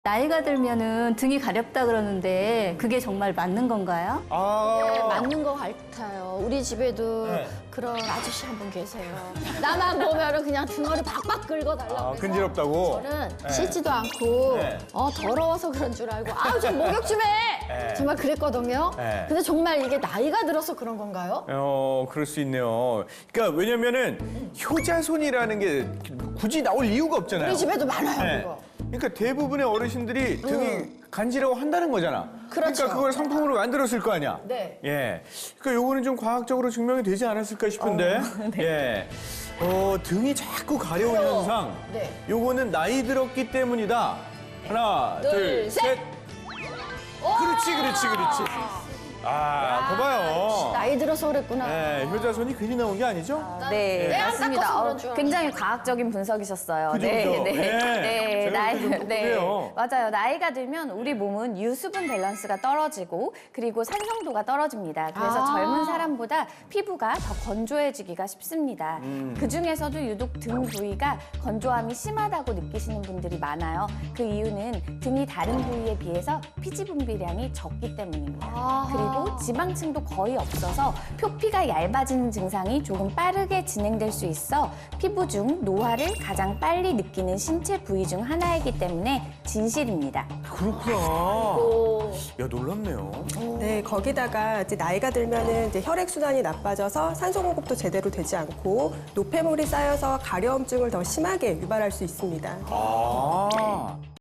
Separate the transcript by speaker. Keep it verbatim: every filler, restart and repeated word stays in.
Speaker 1: 나이가 들면은 등이 가렵다 그러는데 그게 정말 맞는 건가요?
Speaker 2: 아,
Speaker 3: 네, 맞는 것 같아요. 우리 집에도
Speaker 2: 네.
Speaker 3: 그런 아저씨 한 분 계세요. 나만 보면은 그냥 등어를 박박 긁어달라고
Speaker 2: 아,
Speaker 3: 그래서
Speaker 2: 근지럽다고?
Speaker 3: 저는
Speaker 2: 네.
Speaker 3: 씻지도 않고
Speaker 2: 네.
Speaker 3: 어, 더러워서 그런 줄 알고 아우 좀 목욕 좀 해!
Speaker 2: 네.
Speaker 3: 정말 그랬거든요.
Speaker 2: 네.
Speaker 3: 근데 정말 이게 나이가 들어서 그런 건가요?
Speaker 2: 어, 그럴 수 있네요. 그러니까 왜냐면은 효자손이라는 게 굳이 나올 이유가 없잖아요.
Speaker 3: 우리 집에도 많아요,
Speaker 2: 네.
Speaker 3: 그거.
Speaker 2: 그러니까 대부분의 어르신들이 등이 간지러워 한다는 거잖아.
Speaker 3: 그렇죠.
Speaker 2: 러니까 그걸 상품으로 만들었을 거 아니야.
Speaker 3: 네.
Speaker 2: 예. 그러니까 요거는 좀 과학적으로 증명이 되지 않았을까 싶은데. 예. 어, 등이 자꾸 가려운
Speaker 3: 그래요.
Speaker 2: 현상.
Speaker 3: 네.
Speaker 2: 요거는 나이 들었기 때문이다. 하나,
Speaker 3: 둘,
Speaker 2: 둘,
Speaker 3: 셋.
Speaker 2: 셋. 그렇지, 그렇지, 그렇지. 아, 거봐요.
Speaker 3: 나이 들어서 그랬구나.
Speaker 2: 예, 효자손이 괜히 나온 게 아니죠?
Speaker 1: 네,
Speaker 3: 네,
Speaker 1: 맞습니다.
Speaker 3: 닦아서
Speaker 1: 어,
Speaker 3: 그런 줄 알았는데.
Speaker 1: 굉장히 과학적인 분석이셨어요.
Speaker 2: 그죠,
Speaker 1: 네,
Speaker 2: 그죠?
Speaker 1: 네,
Speaker 2: 네.
Speaker 1: 네,
Speaker 2: 제가
Speaker 1: 나이,
Speaker 2: 그렇게 좀
Speaker 1: 네,
Speaker 2: 똑똑해요.
Speaker 1: 맞아요. 나이가 들면 우리 몸은 유수분 밸런스가 떨어지고 그리고 산성도가 떨어집니다. 그래서
Speaker 3: 아.
Speaker 1: 젊은 사람보다 피부가 더 건조해지기가 쉽습니다.
Speaker 2: 음.
Speaker 1: 그 중에서도 유독 등 부위가 건조함이 심하다고 느끼시는 분들이 많아요. 그 이유는 등이 다른 부위에 비해서 피지 분비량이 적기 때문입니다.
Speaker 3: 아.
Speaker 1: 그리고 지방층도 거의 없어서 표피가 얇아지는 증상이 조금 빠르게 진행될 수 있어 피부 중 노화를 가장 빨리 느끼는 신체 부위 중 하나이기 때문에 진실입니다.
Speaker 2: 그렇구나.
Speaker 3: 오.
Speaker 2: 야, 놀랍네요.
Speaker 4: 네, 거기다가 이제 나이가 들면은 이제 혈액 순환이 나빠져서 산소 공급도 제대로 되지 않고 노폐물이 쌓여서 가려움증을 더 심하게 유발할 수 있습니다.
Speaker 2: 아.